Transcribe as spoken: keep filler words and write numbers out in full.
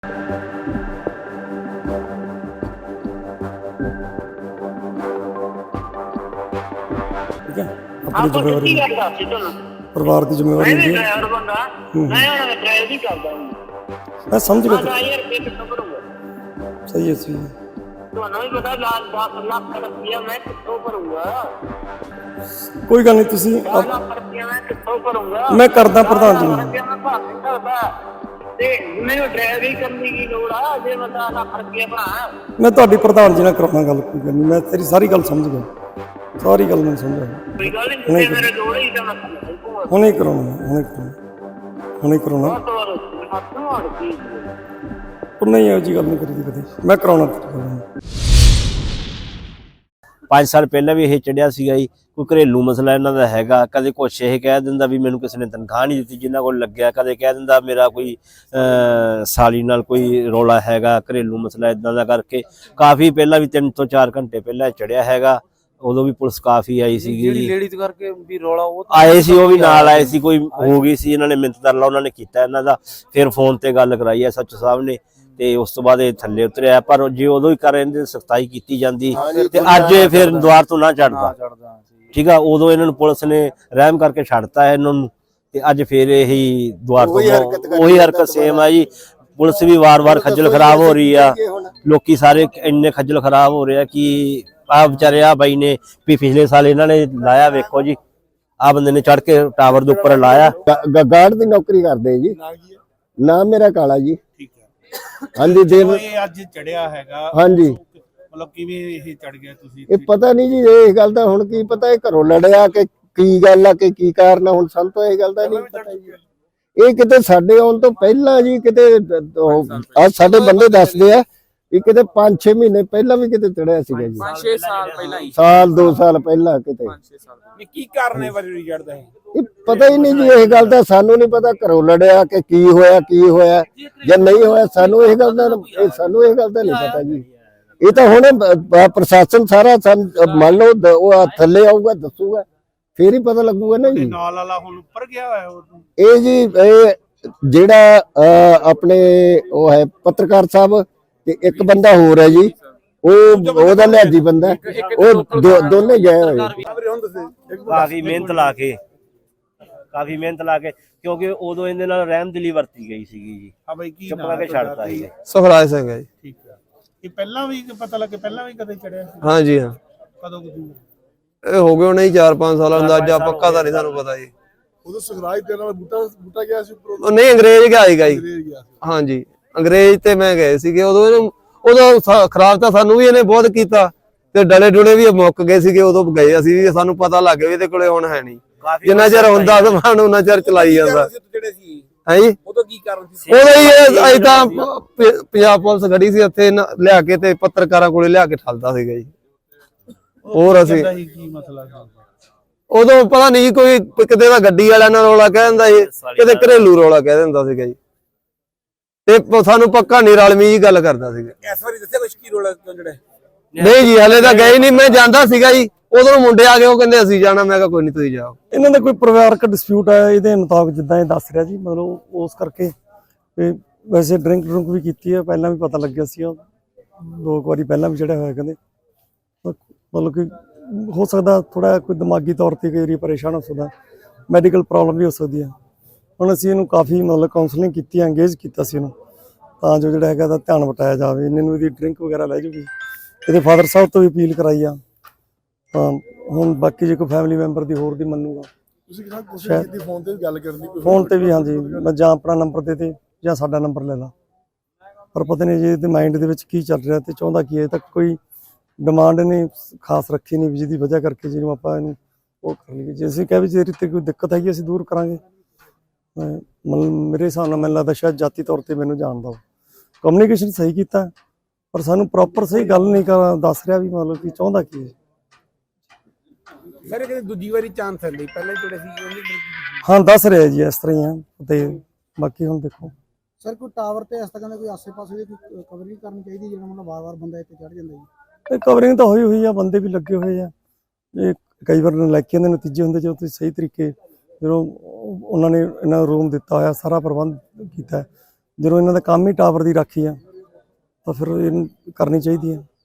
ठीक है, अपनी जिम्मेवारी परिवार की जिम्मेवारी होती है। मैं समझ गया, सही है सही है। कोई गल नहीं, तुसी मैं करदा प्रधान जी मैं तुहाडी प्रधान जी नाल कराउणा गल, कोई गल नहीं, मैं तेरी सारी गल समझ गया, सारी गल मैं समझ गया। हुणे ही कराउणा, हुणे कराउणा, हुणे कराउणा। नहीं ਇਹੋ ਜਿਹੀ ਗੱਲ नहीं करी कभी, मैं कराउणा। पाँच साल पहले भी ये चढ़िया सीगा जी, कोई घरेलू मसला इन्हां दा हैगा, कदे कुछ ये कह दिंदा भी मैनूं किसी ने तनखाह नहीं दित्ती जिन्हां कोल लग्गिआ, कदे कह दिंदा मेरा कोई साली नाल कोई रौला हैगा, घरेलू मसला इदां दा करके काफ़ी पहला भी तीन तो चार घंटे पहला चढ़िया हैगा। उदों भी पुलिस काफ़ी आई सी, आए सी, वो भी नाल आए सी, कोई हो गई सी, इन्हां ने मिन्नत तरला उन्हां ने कीता इन्हां दा, फिर फोन ते गल कराई एस एच ओ साहब ने, ਤੇ ਉਸ ਤੋਂ ਬਾਅਦ ਇਹ ਥੱਲੇ ਉਤਰਿਆ। ਪਰ ਜੇ ਉਦੋਂ ਹੀ ਕਰ ਇਹਦੇ ਸਖਤਾਈ ਕੀਤੀ ਜਾਂਦੀ ਤੇ ਅੱਜ ਇਹ ਫਿਰ ਦੁਆਰ ਤੋਂ ਨਾ ਚੜਦਾ, ਠੀਕ ਆ। ਉਦੋਂ ਇਹਨਾਂ ਨੂੰ ਪੁਲਿਸ ਨੇ ਰਹਿਮ ਕਰਕੇ ਛੱਡਤਾ ਹੈ ਇਹਨਾਂ ਨੂੰ, ਤੇ ਅੱਜ ਫਿਰ ਇਹੀ ਦੁਆਰ ਤੋਂ ਉਹੀ ਹਰਕਤ ਸੇਮ ਆ ਜੀ। ਪੁਲਿਸ ਵੀ ਵਾਰ-ਵਾਰ ਖੱਜਲ ਖਰਾਬ ਹੋ ਰਹੀ ਆ, ਲੋਕੀ ਸਾਰੇ ਇੰਨੇ ਖੱਜਲ ਖਰਾਬ ਹੋ ਰਹੇ ਆ ਕਿ ਆ ਵਿਚਾਰੇ ਆ ਬਾਈ ਨੇ ਵੀ ਪਿਛਲੇ ਸਾਲ ਇਹਨਾਂ ਨੇ ਲਾਇਆ, ਵੇਖੋ ਜੀ ਆ ਬੰਦੇ ਨੇ ਚੜ ਕੇ ਟਾਵਰ ਦੇ ਉੱਪਰ ਲਾਇਆ। ਗਾਰਡ ਦੀ ਨੌਕਰੀ ਕਰਦੇ ਜੀ। ਨਾਮ ਮੇਰਾ ਕਾਲਾ ਜੀ। ਹਾਂਜੀ ਦਿਨ ਅੱਜ ਚੜਿਆ ਹੈਗਾ। ਹਾਂਜੀ ਮਤਲਬ ਕਿਵੇਂ ਇਹ ਚੜ ਗਿਆ ਤੁਸੀਂ? ਇਹ ਪਤਾ ਨਹੀਂ ਜੀ, ਇਹ ਗੱਲ ਦਾ ਹੁਣ ਕੀ ਪਤਾ, ਇਹ ਘਰੋਂ ਲੜਿਆ ਕਿ ਕੀ ਗੱਲ ਆ ਕਿ ਕੀ ਕਾਰਨ ਆ, ਹੁਣ ਸਾਨੂੰ ਤਾਂ ਇਹ ਗੱਲ ਦਾ ਨਹੀਂ ਪਤਾ ਜੀ। ਇਹ ਕਿਤੇ ਸਾਡੇ ਆਉਣ ਤੋਂ ਪਹਿਲਾਂ ਜੀ ਕਿਤੇ ਆ ਸਾਡੇ ਬੰਦੇ ਦੱਸਦੇ ਆ ਵੀ ਕਿਤੇ ਪੰਜ ਛੇ ਮਹੀਨੇ ਪਹਿਲਾਂ ਵੀ ਕਿਤੇ ਚੜਿਆ ਸੀਗਾ ਜੀ। ਪੰਜ ਛੇ ਸਾਲ ਪਹਿਲਾਂ ਹੀ, ਸਾਲ ਦੋ ਸਾਲ ਪਹਿਲਾਂ ਕਿਤੇ। ਕੀ ਕਾਰਨ ਹੈ ਵਰੀ ਚੜਦਾ ਹੈ? ਇਹ ਪਤਾ ਹੀ ਨਹੀਂ ਜੀ, ਇਹ ਗੱਲ ਦਾ ਸਾਨੂੰ ਨਹੀਂ ਪਤਾ ਘਰੋਂ ਲੜਿਆ ਕਿ ਕੀ ਹੋਇਆ ਕੀ ਹੋਇਆ ਜਾਂ ਨਹੀਂ ਹੋਇਆ, ਸਾਨੂੰ ਇਹ ਗੱਲ ਦਾ ਸਾਨੂੰ ਇਹ ਗੱਲ ਦਾ ਨਹੀਂ ਪਤਾ ਜੀ। ਇਹ ਤਾਂ ਹੁਣ ਪ੍ਰਸ਼ਾਸਨ ਸਾਰਾ ਮੰਨ ਲਓ ਉਹ ਥੱਲੇ ਆਊਗਾ ਦੱਸੂਗਾ, ਫੇਰ ਹੀ ਪਤਾ ਲੱਗੂਗਾ ਨਾ ਜੀ। ਨਾਲ ਵਾਲਾ ਹੁਣ ਉੱਪਰ ਗਿਆ ਹੋਇਆ ਇਹ ਜੀ, ਇਹ ਜਿਹੜਾ ਆਪਣੇ ਉਹ ਹੈ ਪੱਤਰਕਾਰ ਸਾਹਿਬ ਤੇ ਇੱਕ ਬੰਦਾ ਹੋਰ ਹੈ ਜੀ, ਉਹ ਉਹਦਾ ਲਿਆਜੀ ਬੰਦਾ, ਉਹ ਦੋਨੇ ਗਏ ਹੋਏ। ਕਾਫੀ ਮਿਹਨਤ ਲਾ ਕੇ ਕਾਫੀ ਮਿਹਨਤ ਲਾ ਕੇ ਕਿਉਂਕਿ ਉਦੋਂ ਇਹਦੇ ਨਾਲ ਰਹਿਮਦਿਲੀ ਵਰਤੀ ਗਈ ਸੀਗੀ ਜੀ। ਹਾਂ ਬਾਈ, ਕੀ ਚੁੱਪ ਕਰਕੇ ਛੱਡਤਾ ਸੀ। ਸੁਖਰਾਜ ਸਿੰਘ ਹੈ ਜੀ। ਠੀਕ ਹੈ। ਇਹ ਪਹਿਲਾਂ ਵੀ ਪਤਾ ਲੱਗੇ, ਪਹਿਲਾਂ ਵੀ ਕਦੇ ਚੜਿਆ ਸੀ? ਹਾਂ ਜੀ ਹਾਂ। ਕਦੋਂ ਕਦੋਂ? ਇਹ ਹੋ ਗਏ ਹੋਣੇ ਚਾਰ ਪੰਜ ਸਾਲ, ਅੰਦਾਜ਼ਾ ਪੱਕਾ ਤਾਂ ਨਹੀਂ ਸਾਨੂੰ ਪਤਾ ਜੀ। ਉਦੋਂ ਸੁਖਰਾਜ ਤੇ ਨਾਲ ਬੂਟਾ ਬੂਟਾ ਗਿਆ ਸੀ ਉੱਪਰ? ਉਹ ਨਹੀਂ, ਅੰਗਰੇਜ਼ ਗਿਆ ਸੀਗਾ ਜੀ। ਹਾਂ ਜੀ, ਅੰਗਰੇਜ਼ ਤੇ ਮੈਂ ਗਏ ਸੀਗੇ ਉਦੋਂ। ਇਹਨੂੰ ਉਦੋਂ ਖਰਾਬ ਤਾਂ ਸਾਨੂੰ ਵੀ ਇਹਨੇ ਬਹੁਤ ਕੀਤਾ ਤੇ ਡਲੇ ਡੁਲੇ ਵੀ ਮੁੱਕ ਗਏ ਸੀਗੇ ਉਦੋਂ ਗਏ ਅਸੀਂ ਵੀ, ਸਾਨੂੰ ਪਤਾ ਲੱਗ ਗਿਆ ਵੀ ਇਹਦੇ ਕੋਲੇ ਹੁਣ ਹੈ ਨਹੀਂ। ਜਿੰਨਾ ਚਿਰ ਹੁੰਦਾ ਸਮਾਨ ਉਹਨਾਂ ਚਿਰ ਚਲਾਈ ਜਾਂਦਾ ਹੈ ਜੀ। ਉਦੋਂ ਕੀ ਕਾਰਨ ਸੀ? ਉਦੋਂ ਹੀ ਅਜੇ ਤਾਂ ਪੰਜਾਬ ਪੁਲਿਸ ਖੜੀ ਸੀ ਉੱਥੇ, ਲਿਆ ਕੇ ਤੇ ਪੱਤਰਕਾਰਾਂ ਕੋਲੇ ਲਿਆ ਕੇ ਠੱਲਦਾ ਸੀਗਾ ਜੀ। ਹੋਰ ਅਸੀਂ ਕੀ ਮਸਲਾ ਸੀ ਉਦੋਂ ਪਤਾ ਨਹੀਂ, ਕੋਈ ਕਿਤੇ ਦਾ ਗੱਡੀ ਵਾਲਿਆਂ ਨਾਲ ਰੌਲਾ ਕਹਿ ਦਿੰਦਾ ਸੀ, ਕਿਤੇ ਘਰੇਲੂ ਰੌਲਾ ਕਹਿ ਦਿੰਦਾ ਸੀਗਾ ਜੀ, ਤੇ ਸਾਨੂੰ ਪੱਕਾ ਨਹੀਂ ਰਲਮੀ ਜੀ ਗੱਲ ਕਰਦਾ ਸੀਗਾ। ਇਸ ਵਾਰੀ ਦੱਸਿਆ ਕੁਛ ਕੀ ਰੌਲਾ ਕਿਉਂ ਜੜੇ? ਨਹੀਂ ਜੀ, ਹਲੇ ਤਾਂ ਗਏ ਨਹੀਂ, ਮੈਂ ਜਾਂਦਾ ਸੀਗਾ ਜੀ, ਉਦੋਂ ਮੁੰਡੇ ਆ ਗਏ, ਉਹ ਕਹਿੰਦੇ ਅਸੀਂ ਜਾਣਾ, ਮੈਂ ਕਿਹਾ ਕੋਈ ਨਹੀਂ ਤੁਸੀਂ ਜਾਓ। ਇਹਨਾਂ ਦਾ ਕੋਈ ਪਰਿਵਾਰਕ ਡਿਸਪਿਊਟ ਹੈ ਇਹਦੇ ਮੁਤਾਬਕ, ਜਿੱਦਾਂ ਇਹ ਦੱਸ ਰਿਹਾ ਜੀ, ਮਤਲਬ ਉਸ ਕਰਕੇ ਤੇ ਵੈਸੇ ਡਰਿੰਕ ਡਰੁੰਕ ਵੀ ਕੀਤੀ ਹੈ, ਪਹਿਲਾਂ ਵੀ ਪਤਾ ਲੱਗਿਆ ਸੀ, ਦੋ ਵਾਰੀ ਪਹਿਲਾਂ ਵੀ ਚੜਿਆ ਹੋਇਆ ਕਹਿੰਦੇ। ਮਤਲਬ ਕਿ ਹੋ ਸਕਦਾ ਥੋੜਾ ਕੋਈ ਦਿਮਾਗੀ ਤੌਰ ਤੇ ਕਈ ਵਾਰੀ ਪਰੇਸ਼ਾਨ ਹੋ ਸਕਦਾ, ਮੈਡੀਕਲ ਪ੍ਰੋਬਲਮ ਵੀ ਹੋ ਸਕਦੀ ਹੈ। ਹੁਣ ਅਸੀਂ ਇਹਨੂੰ ਕਾਫੀ ਮਤਲਬ ਕਾਉਂਸਲਿੰਗ ਕੀਤੀ, ਐਂਗੇਜ ਕੀਤਾ ਸੀ ਇਹਨੂੰ, ਤਾਂ ਜੋ ਜਿਹੜਾ ਹੈਗਾ ਇਹਦਾ ਧਿਆਨ ਵਟਾਇਆ ਜਾਵੇ, ਇਹਨਾਂ ਨੂੰ ਇਹਦੀ ਡਰਿੰਕ ਵਗੈਰਾ ਲੈ ਜੂਗੀ। ਇਹਦੇ ਫਾਦਰ ਸਾਹਿਬ ਤੋਂ ਵੀ ਅਪੀਲ ਕਰਾਈ ਆ, ਤਾਂ ਹੁਣ ਬਾਕੀ ਜੇ ਕੋਈ ਫੈਮਿਲੀ ਮੈਂਬਰ ਦੀ ਹੋਰ ਦੀ ਮੰਨੂਗਾ। ਤੁਸੀਂ ਕਿਹਾ ਕੋਸ਼ਿਸ਼ ਕੀਤੀ ਫੋਨ ਤੇ ਵੀ ਗੱਲ ਕਰਨ ਦੀ? ਫੋਨ ਤੇ ਵੀ ਹਾਂਜੀ, ਮੈਂ ਜਾਂ ਆਪਣਾ ਨੰਬਰ ਦੇ ਦੇ ਜਾਂ ਸਾਡਾ ਨੰਬਰ ਲੈ ਲਾ, ਪਰ ਪਤਾ ਨਹੀਂ ਜੀ ਇਹਦੇ ਮਾਈਂਡ ਦੇ ਵਿੱਚ ਕੀ ਚੱਲ ਰਿਹਾ ਤੇ ਚਾਹੁੰਦਾ ਕੀ ਹੈ। ਤੱਕ ਕੋਈ ਡਿਮਾਂਡ ਨੇ ਖਾਸ ਰੱਖੀ ਨਹੀਂ ਵੀ ਜਿਹਦੀ ਵਜ੍ਹਾ ਕਰਕੇ ਜਿਹਨੂੰ ਆਪਾਂ ਇਹਨੂੰ ਉਹ ਕਰ ਲਈਏ। ਜੇ ਅਸੀਂ ਕਹਿ ਵੀ ਜੇ ਤੇ ਕੋਈ ਦਿੱਕਤ ਹੈਗੀ ਅਸੀਂ ਦੂਰ ਕਰਾਂਗੇ। ਮਤਲਬ ਮੇਰੇ ਹਿਸਾਬ ਨਾਲ ਮੈਨੂੰ ਲੱਗਦਾ ਸ਼ਾਇਦ ਜਾਤੀ ਤੌਰ ਤੇ ਮੈਨੂੰ ਜਾਣਦਾ ਉਹ, ਕਮਿਊਨੀਕੇਸ਼ਨ ਸਹੀ ਕੀਤਾ ਪਰ ਸਾਨੂੰ ਪ੍ਰੋਪਰ ਸਹੀ ਗੱਲ ਨਹੀਂ ਕਰ ਦੱਸ ਰਿਹਾ ਵੀ ਮਤਲਬ ਕਿ ਚਾਹੁੰਦਾ ਕੀ ਹੈ। ਸਰ ਇਹ ਦੂਜੀ ਵਾਰੀ ਚਾਂਸ ਹੈ, ਪਹਿਲਾਂ ਜਿਹੜੇ ਸੀ ਹਾਂ ਦੱਸ ਰਿਹਾ ਜੀ ਇਸ ਤਰ੍ਹਾਂ ਹੀ ਆ, ਤੇ ਬਾਕੀ ਹੁਣ ਦੇਖੋ। ਸਰ ਕੋਈ ਟਾਵਰ ਤੇ ਇਸ ਤਰ੍ਹਾਂ ਦੇ ਕੋਈ ਆਸੇ-ਪਾਸੇ ਦੀ ਕੋਈ ਕਵਰਿੰਗ ਕਰਨੀ ਚਾਹੀਦੀ, ਜਿਹੜਾ ਮਤਲਬ ਵਾਰ-ਵਾਰ ਬੰਦਾ ਇੱਥੇ ਚੜ ਜਾਂਦਾ ਜੀ? ਇਹ ਕਵਰਿੰਗ ਤਾਂ ਹੋਈ ਹੋਈ ਆ, ਬੰਦੇ ਵੀ ਲੱਗੇ ਹੋਏ ਆ। ਇਹ ਕਈ ਵਾਰ ਨਲਾਇਕੀਆਂ ਦੇ ਨਤੀਜੇ ਹੁੰਦੇ ਜਦੋਂ ਤੁਸੀਂ ਸਹੀ ਤਰੀਕੇ, ਜਦੋਂ ਉਹਨਾਂ ਨੇ ਇਹਨਾਂ ਨੂੰ ਰੂਮ ਦਿੱਤਾ ਹੋਇਆ, ਸਾਰਾ ਪ੍ਰਬੰਧ ਕੀਤਾ, ਜਦੋਂ ਇਹਨਾਂ ਦਾ ਕੰਮ ਹੀ ਟਾਵਰ ਦੀ ਰਾਖੀ ਆ ਤਾਂ ਫਿਰ ਇਹਨੂੰ ਕਰਨੀ ਚਾਹੀਦੀ ਹੈ।